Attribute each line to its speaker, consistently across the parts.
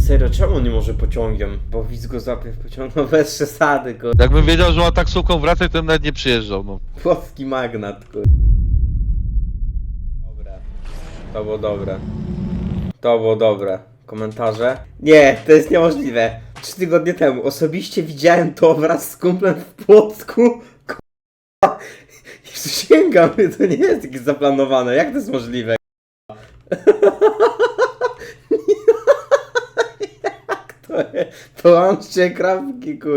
Speaker 1: Serio, czemu on nie może pociągiem? Bo widz go złapie w pociągu, no bez przesady, go.
Speaker 2: Jakbym wiedział, że ma taksówką wracać, to bym nawet nie przyjeżdżał, no.
Speaker 1: Płocki magnat, kur... Dobre. To było dobre. To było dobre. Komentarze? Nie, to jest niemożliwe. 3 tygodnie temu osobiście widziałem to wraz z kumplem w Płocku. K***a. Sięgam, to nie jest jakieś zaplanowane. Jak to jest możliwe? Jak to jest? Połączcie krawki, kur...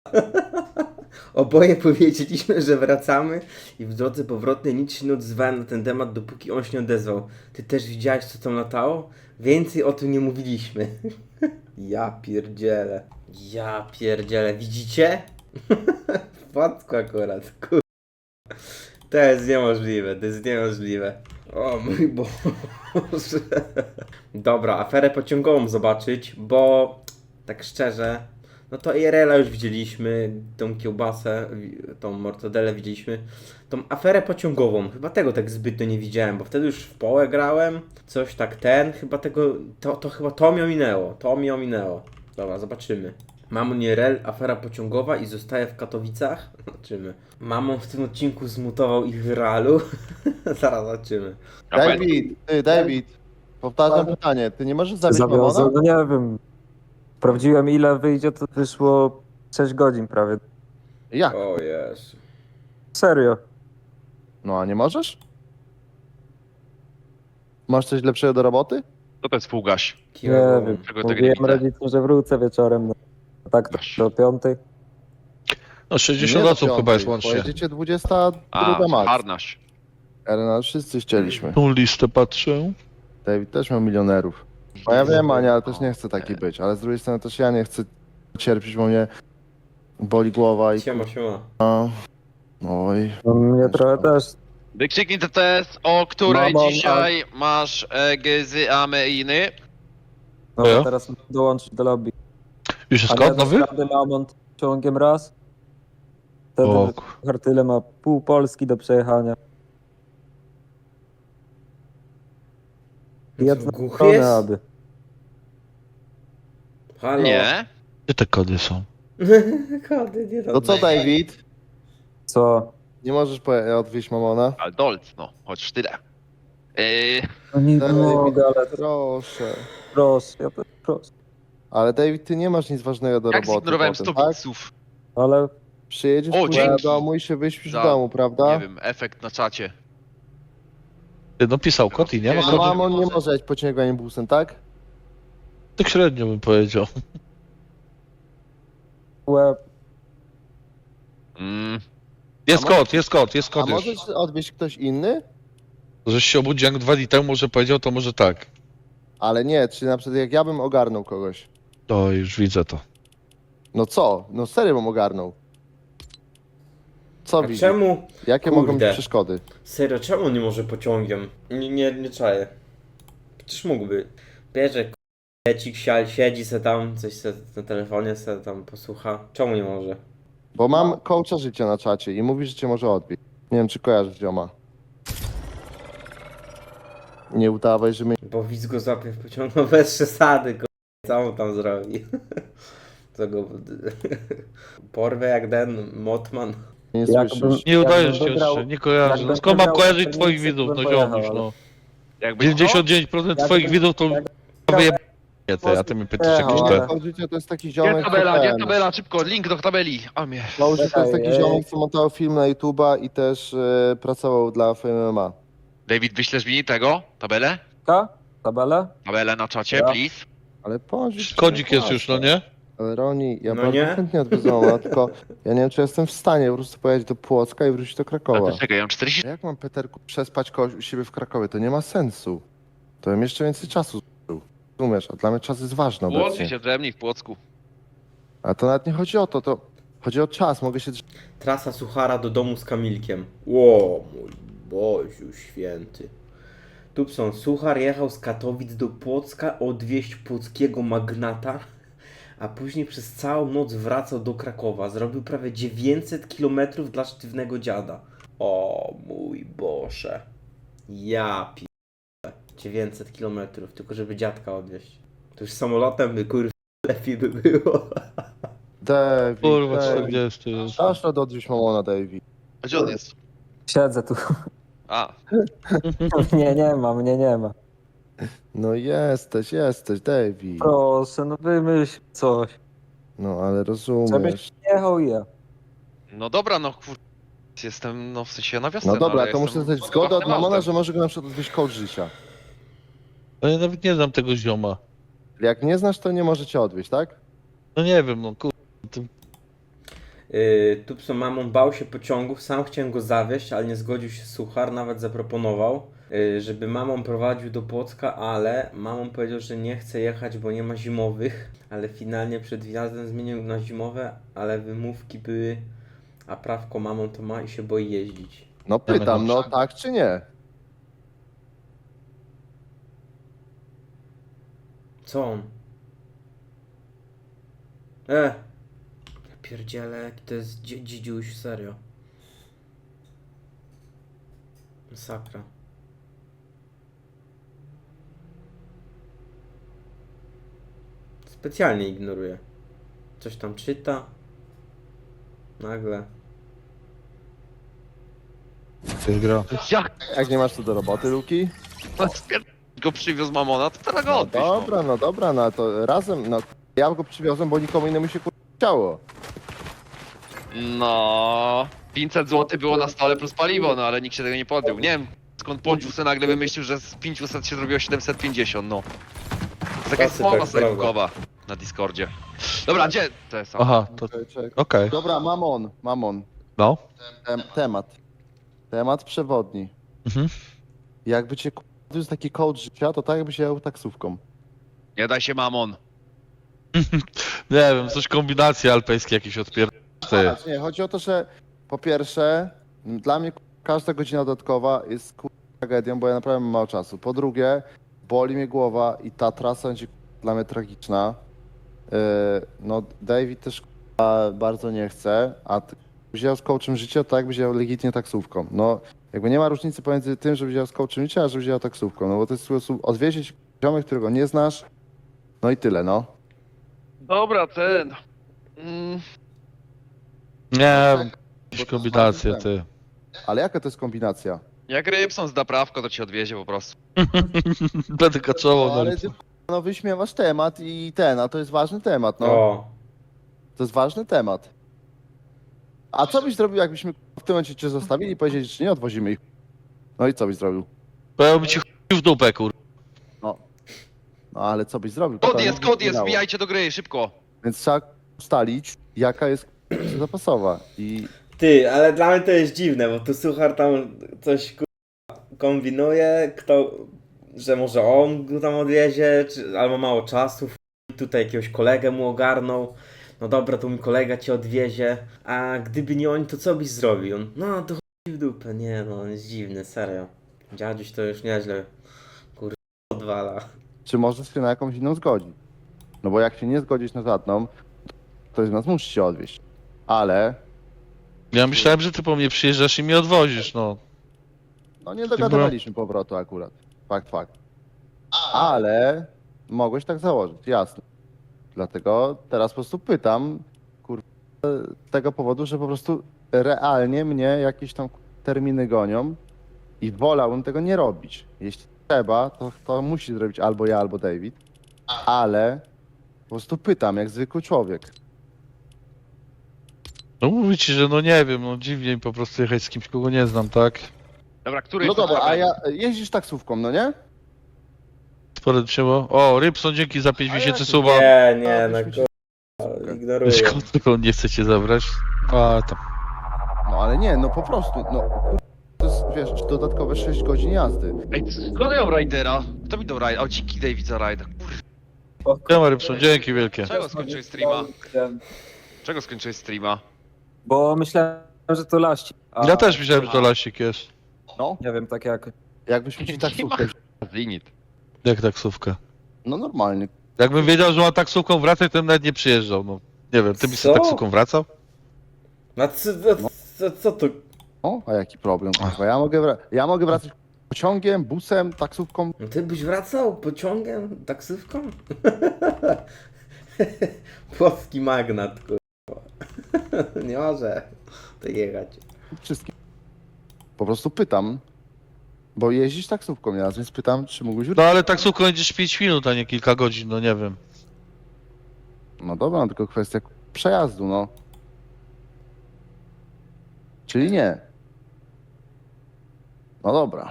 Speaker 1: Oboje powiedzieliśmy, że wracamy i w drodze powrotnej nic się nie odzywałem na ten temat, dopóki on się nie odezwał. Ty też widziałeś, co tam latało? Więcej o tym nie mówiliśmy. Ja pierdzielę. Ja pierdzielę. Widzicie? W Płocku akurat. Kur... To jest niemożliwe, to jest niemożliwe. O mój Boże. Dobra, aferę pociągową zobaczyć, bo tak szczerze, no to IRL-a już widzieliśmy, tą kiełbasę, tą mortadelę widzieliśmy, tą aferę pociągową, chyba tego tak zbytnio nie widziałem, bo wtedy już w połę grałem, coś tak chyba tego, chyba to mi ominęło, Dobra, zobaczymy. Mamon IRL, afera pociągowa i zostaje w Katowicach. Zobaczymy. Mamon w tym odcinku zmutował ich w realu. Zaraz zobaczymy.
Speaker 3: David, powtarzam pytanie, ty nie możesz zabić Mamona?
Speaker 4: No nie wiem. Sprawdziłem ile wyjdzie, to wyszło 6 godzin prawie.
Speaker 3: Jak?
Speaker 1: O Jezu.
Speaker 4: Serio.
Speaker 3: No a nie możesz? Masz coś lepszego do roboty?
Speaker 2: To jest półgaś.
Speaker 4: Nie wiem.
Speaker 2: Czego tego nie
Speaker 4: Mówiłem
Speaker 2: widzę?
Speaker 4: rodzicom, że wrócę wieczorem. No. Tak to do 5.
Speaker 2: No 60 osób chyba jest łącznie.
Speaker 3: Pojedziecie 22
Speaker 2: A,
Speaker 3: max.
Speaker 2: harnaś.
Speaker 3: Ale wszyscy chcieliśmy.
Speaker 2: Tą listę patrzę.
Speaker 3: David też miał milionerów. No ja wiem, Ania, ale też nie chcę taki być. Ale z drugiej strony też ja nie chcę cierpieć, bo mnie boli głowa i...
Speaker 1: Siema.
Speaker 3: Oj.
Speaker 4: No, mnie trochę też.
Speaker 5: Wykrzyknij TTS, o której
Speaker 4: Mamon,
Speaker 5: dzisiaj masz gzy
Speaker 4: No
Speaker 2: Ja?
Speaker 4: teraz muszę dołączyć do lobby.
Speaker 2: Już jest
Speaker 4: A
Speaker 2: kod
Speaker 4: nie,
Speaker 2: nowy?
Speaker 4: naprawdę Mamont ciągiem raz. Wtedy
Speaker 2: O,
Speaker 4: Hartyle ma pół Polski do przejechania. Jedna
Speaker 1: Głuchy
Speaker 4: strona,
Speaker 1: jest?
Speaker 4: aby.
Speaker 1: Halo?
Speaker 5: Nie.
Speaker 2: gdzie te kody są?
Speaker 1: Kody, nie
Speaker 3: To co, David?
Speaker 4: Co?
Speaker 3: Nie możesz odwieźć Mamona?
Speaker 5: Ale dolc, no, choć tyle.
Speaker 4: No nie
Speaker 3: David,
Speaker 4: mogę, ale
Speaker 3: proszę.
Speaker 4: proszę, ja też proszę.
Speaker 3: Ale David, ty nie masz nic ważnego do
Speaker 5: Jak
Speaker 3: roboty
Speaker 5: zignorowałem
Speaker 3: potem,
Speaker 5: 100
Speaker 3: tak?
Speaker 5: widzów?
Speaker 4: Ale
Speaker 3: Przyjedziesz
Speaker 5: O,
Speaker 3: kurwa,
Speaker 5: dzięki.
Speaker 3: do domu i się wyśpisz
Speaker 5: Za-
Speaker 3: w domu, prawda?
Speaker 5: Nie wiem, efekt na czacie.
Speaker 2: Ty no pisał kod i nie ma
Speaker 5: A
Speaker 3: A
Speaker 2: kodu.
Speaker 3: mamon nie może jechać pociąganiem busem, tak?
Speaker 2: Tak średnio bym powiedział.
Speaker 4: łeb.
Speaker 2: Jest
Speaker 3: może-
Speaker 2: kod, jest kod
Speaker 3: A
Speaker 2: już.
Speaker 3: możesz odwieźć ktoś inny?
Speaker 2: Żeś się obudził jak 2 dni temu, może powiedział, to może tak.
Speaker 3: Ale nie, czy na przykład jak ja bym ogarnął kogoś.
Speaker 2: To już widzę to.
Speaker 3: No co? No serio bym ogarnął. Co
Speaker 1: A
Speaker 3: widzisz?
Speaker 1: czemu?
Speaker 3: Jakie
Speaker 1: Kurde.
Speaker 3: mogą być przeszkody?
Speaker 1: Serio, czemu on nie może pociągiem? Nie czaję. Przecież mógłby. Bierze k***ecik, siedzi se tam, coś se na telefonie se tam posłucha. Czemu nie może?
Speaker 3: Bo mam coacha życia na czacie i mówi, że cię może odbić. Nie wiem, czy kojarzysz zioma. Nie udawaj, że mnie
Speaker 1: Bo widz go złapie w pociągu, no bez przesady, co on tam zrobi? Co go... Porwę jak ten Motman.
Speaker 3: nie
Speaker 4: Jakbym-
Speaker 3: słyszysz.
Speaker 2: Nie udajesz
Speaker 4: Jakbym
Speaker 2: się
Speaker 4: wygrał-
Speaker 2: jeszcze, nie kojarzę. No
Speaker 4: jakbym
Speaker 2: skąd mam
Speaker 4: wygrał
Speaker 2: kojarzyć
Speaker 4: Feniksy,
Speaker 2: twoich
Speaker 4: to
Speaker 2: widzów,
Speaker 4: bym
Speaker 2: no
Speaker 4: pojechał,
Speaker 2: ziomuś,
Speaker 4: ale-
Speaker 2: no.
Speaker 5: Jakbyś
Speaker 2: 99% twoich widzów to wyjeb... ty, a ty mi pytasz
Speaker 4: Jechał,
Speaker 2: jakieś
Speaker 4: ale-
Speaker 2: te.
Speaker 3: Coach życia to jest taki
Speaker 5: Gdzie
Speaker 3: ziomek,
Speaker 5: tabela,
Speaker 3: co
Speaker 5: gdzie
Speaker 3: ten...
Speaker 5: tabela, szybko, link do tabeli. A mnie.
Speaker 3: Coach życia to jest taki
Speaker 4: Czekaj,
Speaker 3: ziomek, co montował film na YouTube'a i też pracował dla FMMA.
Speaker 5: David, wyślesz mi tego, tabelę?
Speaker 4: Tabelę?
Speaker 5: Tabelę na czacie,
Speaker 4: Ja.
Speaker 5: please.
Speaker 3: Ale pożyć...
Speaker 2: Kodzik jest już, no nie?
Speaker 3: Ale Roni, ja
Speaker 1: No
Speaker 3: bardzo
Speaker 1: nie?
Speaker 3: chętnie odwiedzę Mamona, tylko ja nie wiem, czy jestem w stanie po prostu pojechać do Płocka i wrócić do
Speaker 5: Ale
Speaker 3: Krakowa.
Speaker 5: to czekaj, ja mam 40...
Speaker 3: Jak mam, Peterku, przespać kogoś u siebie w Krakowie? To nie ma sensu. To bym jeszcze więcej czasu zużył. Rozumiesz? A dla mnie czas jest ważny
Speaker 5: Łączy
Speaker 3: obecnie.
Speaker 5: się ze mnie w Płocku.
Speaker 3: A to nawet nie chodzi o to, to chodzi o czas. Mogę się...
Speaker 1: Trasa Suchara do domu z Kamilkiem. Ło, mój Boziu święty. Tupson Suchar jechał z Katowic do Płocka odwieźć płockiego magnata, a później przez całą noc wracał do Krakowa. Zrobił prawie 900 km dla sztywnego dziada. O mój Boże. Ja pi... 900 km, tylko żeby dziadka odwieźć. To już samolotem by lepiej by było.
Speaker 3: David,
Speaker 2: Kurwa,
Speaker 3: David.
Speaker 2: 40 jest.
Speaker 3: Dasz radę odwieźć mamona, David.
Speaker 5: A gdzie on jest?
Speaker 4: Siedzę tu.
Speaker 5: A,
Speaker 4: Nie, nie ma, mnie nie ma.
Speaker 3: No jesteś, David.
Speaker 4: Proszę, no wymyśl coś.
Speaker 3: No ale rozumiesz.
Speaker 4: Żebyś jechał i ja.
Speaker 5: no dobra, no kur... Jestem, no w sensie na wiosnę.
Speaker 3: No dobra,
Speaker 5: ale
Speaker 3: to muszę
Speaker 5: jestem
Speaker 3: dostać zgodę od
Speaker 5: własnym
Speaker 3: mamona,
Speaker 5: autem.
Speaker 3: że może go na przykład odwieźć coach życia.
Speaker 2: No ja nawet nie znam tego zioma.
Speaker 3: Jak nie znasz, to nie możecie odwieźć, tak?
Speaker 2: No nie wiem, no kurwa.
Speaker 1: Tupso mamon bał się pociągów, sam chciałem go zawieźć, ale nie zgodził się Suchar, nawet zaproponował, żeby mamon prowadził do Płocka, ale mamon powiedział, że nie chce jechać, bo nie ma zimowych, ale finalnie przed wjazdem zmienił na zimowe, ale wymówki były, a prawko mamon to ma i się boi jeździć.
Speaker 3: No pytam, no
Speaker 2: dobrze.
Speaker 3: tak czy nie?
Speaker 1: Co on? Ja pierdzielę, jaki to jest dzidziuś, serio. Masakra. Specjalnie ignoruje. Coś tam czyta. Nagle.
Speaker 2: Ty gra.
Speaker 5: Jak
Speaker 3: Jak nie masz tu do roboty, Luki?
Speaker 5: go przywiózł mamona, to teraz go
Speaker 3: No
Speaker 5: odwieźć.
Speaker 3: dobra, no to razem, no ja go przywiozłem, bo nikomu innemu się chciało.
Speaker 5: No, 500 zł było na stole plus paliwo, no ale nikt się tego nie podjął. Nie wiem skąd Pądziu se nagle wymyślił, że z 500 się zrobiło 750, no. To jest jakaś
Speaker 1: Tacy
Speaker 5: smowa
Speaker 1: tak,
Speaker 5: sejfukowa na Discordzie. Dobra, gdzie to jest?
Speaker 2: Aha, to okej.
Speaker 3: Dobra, mamon,
Speaker 2: No.
Speaker 3: temat przewodni.
Speaker 2: Mhm.
Speaker 3: Jakby cię z taki coach życia, to tak jakbyś jechał taksówką.
Speaker 5: Nie daj się mamon.
Speaker 2: Nie wiem, coś kombinacje alpejskie jakieś odpierdolę.
Speaker 3: Nie, chodzi o to, że po pierwsze, dla mnie każda godzina dodatkowa jest tragedią, bo ja naprawdę mam mało czasu. Po drugie, boli mnie głowa i ta trasa będzie dla mnie tragiczna. No, David też bardzo nie chce, a ty wziął z coachem życia, tak jakby wziął legitnie taksówką. No, jakby nie ma różnicy pomiędzy tym, że wziął z coachem życia, a że wziął taksówką. No bo to jest sposób odwieźć ziomek, którego nie znasz. No i tyle, no.
Speaker 5: Dobra, ten.
Speaker 2: Nie wiem, jakieś kombinacje, ty.
Speaker 3: Ale jaka to jest kombinacja?
Speaker 5: Jak Rybson zda prawko, to ci odwiezie po prostu.
Speaker 2: Będę kaczował
Speaker 3: No,
Speaker 2: na
Speaker 3: ale ty no, wyśmiewasz temat i ten, a to jest ważny temat, no.
Speaker 1: O,
Speaker 3: To jest ważny temat. A co byś zrobił, jakbyśmy w tym momencie cię zostawili i powiedzieli, że nie odwozimy ich? No i co byś zrobił?
Speaker 2: Powiem ci chuj w dupę, kur.
Speaker 3: No ale co byś zrobił?
Speaker 5: Kod
Speaker 3: Pytanie
Speaker 5: jest,
Speaker 3: by
Speaker 5: kod jest,
Speaker 3: brzmiało.
Speaker 5: wbijajcie do gry, szybko.
Speaker 3: Więc trzeba ustalić, jaka jest zapasowa. I
Speaker 1: ty, ale dla mnie to jest dziwne, bo tu Suchar tam coś kombinuje, że może on go tam odwiezie, albo mało czasu, tutaj jakiegoś kolegę mu ogarnął. No dobra, to mój kolega cię odwiezie, a gdyby nie oni, to co byś zrobił? On, no to chuj w dupę, nie no, on jest dziwny, serio. Dziaduś to już nieźle, odwala.
Speaker 3: czy możesz się na jakąś inną zgodzić? No bo jak się nie zgodzisz na żadną, to ktoś z nas musi się odwieźć. Ale
Speaker 2: Ja myślałem, że ty po mnie przyjeżdżasz i mnie odwozisz, no.
Speaker 3: no nie dogadywaliśmy powrotu akurat. Fakt. Ale mogłeś tak założyć, jasne. Dlatego teraz po prostu pytam, z tego powodu, że po prostu realnie mnie jakieś tam terminy gonią i wolałbym tego nie robić. Jeśli trzeba, to musi zrobić albo ja, albo David, ale po prostu pytam, jak zwykły człowiek.
Speaker 2: No mówię ci, że no nie wiem, no dziwnie mi po prostu jechać z kimś, kogo nie znam, tak?
Speaker 5: Dobra, który
Speaker 3: No
Speaker 5: jest
Speaker 3: dobra, a
Speaker 5: tabel?
Speaker 3: ja jeździsz taksówką, no nie?
Speaker 2: Sporo trzeba. O, Rybson, dzięki za 5
Speaker 3: A
Speaker 2: miesięcy
Speaker 3: jak
Speaker 2: suba.
Speaker 1: Nie, no
Speaker 3: byśmy się-
Speaker 1: ignoruję.
Speaker 2: Skąd tylko nie chcecie zabrać? A tam.
Speaker 3: No ale nie, no po prostu, no to jest, wiesz, dodatkowe 6 godzin jazdy.
Speaker 5: Ej, skąd ja mam Raidera? Kto mi dał Raid? O, dzięki David za Raida.
Speaker 2: Siema Rybson, dzięki wielkie.
Speaker 5: Czego skończyłeś streama? Czego skończyłeś streama?
Speaker 4: Bo myślałem, że to laści. A
Speaker 2: Ja też myślałem, że to lasik jest.
Speaker 3: No,
Speaker 4: Nie wiem, tak jak.
Speaker 3: jakbyśmy ci taksówkę,
Speaker 5: Limit.
Speaker 2: Jak taksówkę.
Speaker 3: no normalnie.
Speaker 2: Jakbym wiedział, że ma taksówką wracać, to bym nawet nie przyjeżdżał, no. Nie wiem, ty byś z
Speaker 1: Co?
Speaker 2: taksówką wracał?
Speaker 1: No co to?
Speaker 3: O, a jaki problem, kurwa, ja mogę wracać Pociągiem, busem, taksówką.
Speaker 1: No ty byś wracał pociągiem, taksówką? Płocki magnat, kurwa. Nie może to jechać.
Speaker 3: Wszystkim. Po prostu pytam, bo jeździsz taksówką nieraz, więc pytam, czy mógłbyś
Speaker 2: No ale taksówką jedziesz 5 minut, a nie kilka godzin, no nie wiem.
Speaker 3: No dobra, no tylko kwestia przejazdu, no. Czyli nie. No dobra.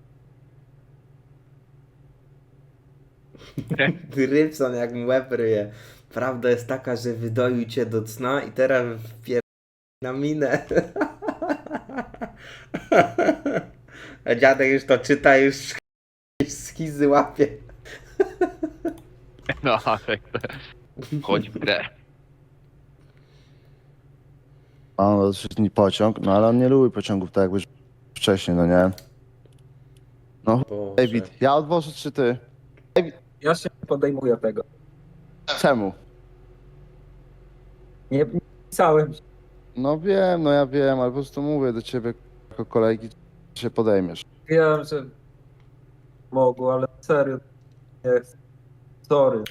Speaker 1: Rybson jak mi łeb ryje. Prawda jest taka, że wydoił cię do cna i teraz wpier... na minę. A dziadek już to czyta, już schizy łapie.
Speaker 5: No, ale chodź w grę.
Speaker 3: A no, to pociąg, no ale on nie lubi pociągów tak jakby wcześniej, no nie? No,
Speaker 1: Boże.
Speaker 3: David, ja odwożę czy ty?
Speaker 4: Ja się nie podejmuję tego.
Speaker 3: Czemu?
Speaker 4: Nie pisałem.
Speaker 3: No wiem, no ja wiem, ale po prostu mówię do ciebie jako kolegi, czy się podejmiesz.
Speaker 4: Wiem, że mogło, ale serio nie chcę. Sorry.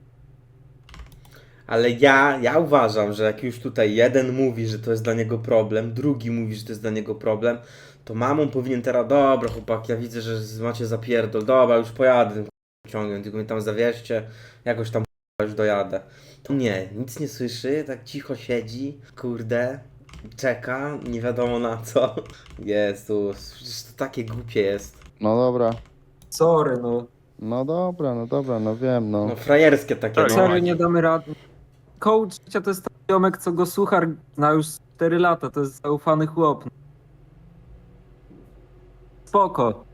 Speaker 1: Ale ja uważam, że jak już tutaj jeden mówi, że to jest dla niego problem, drugi mówi, że to jest dla niego problem, to mamą powinien teraz, dobra chłopak, ja widzę, że macie zapierdol, dobra, już pojadę tym pociągiem, tylko mnie tam zawieźcie, jakoś tam już dojadę. To nie, nic nie słyszy, tak cicho siedzi, kurde, czeka, nie wiadomo na co. Jezus, przecież to takie głupie jest.
Speaker 3: No dobra,
Speaker 4: Sorry, no.
Speaker 3: no dobra, no wiem, no.
Speaker 1: No frajerskie takie,
Speaker 5: Tak,
Speaker 1: no.
Speaker 4: Serio nie damy rady. Coach życia to jest taki ziomek, co go suchar zna już 4 lata. To jest zaufany chłop. Spoko.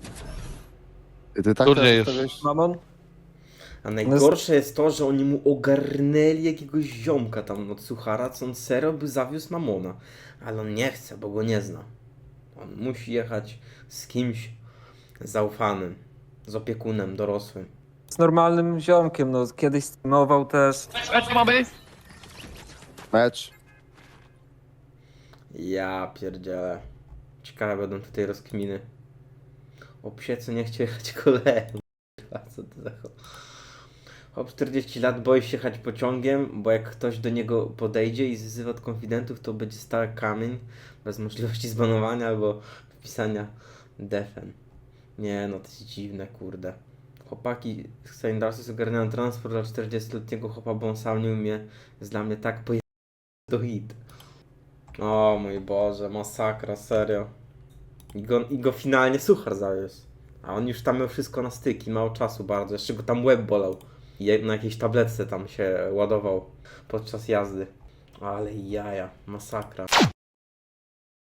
Speaker 3: Ty tak
Speaker 2: Turniej
Speaker 3: teraz
Speaker 2: jest.
Speaker 3: stawiasz-
Speaker 4: Mamon?
Speaker 1: A najgorsze jest to, że oni mu ogarnęli jakiegoś ziomka tam od suchara, co on serio by zawiózł Mamona. Ale on nie chce, bo go nie zna. On musi jechać z kimś zaufanym, z opiekunem dorosłym.
Speaker 4: Z normalnym ziomkiem, no. Kiedyś streamował też.
Speaker 5: Co mamy?
Speaker 3: Mecz.
Speaker 1: Ja pierdzielę. Ciekawe będą tutaj rozkminy. O psie, co nie chce jechać koleją. Co to za chłop 40 lat boi się jechać pociągiem, bo jak ktoś do niego podejdzie i zwyzywa od konfidentów, to będzie stał jak kamień, bez możliwości zbanowania albo wpisania defen. Nie no, to jest dziwne, kurde. Chłopaki z Saindarsy ogarniają transport dla 40-letniego chłopa, bo on sam nie umie. Jest dla mnie tak pojechany do hit. O mój Boże, masakra, serio. I go finalnie suchar zawiózł. A on już tam miał wszystko na styki, mało czasu bardzo. Jeszcze go tam łeb bolał. I na jakiejś tabletce tam się ładował podczas jazdy. Ale jaja, masakra.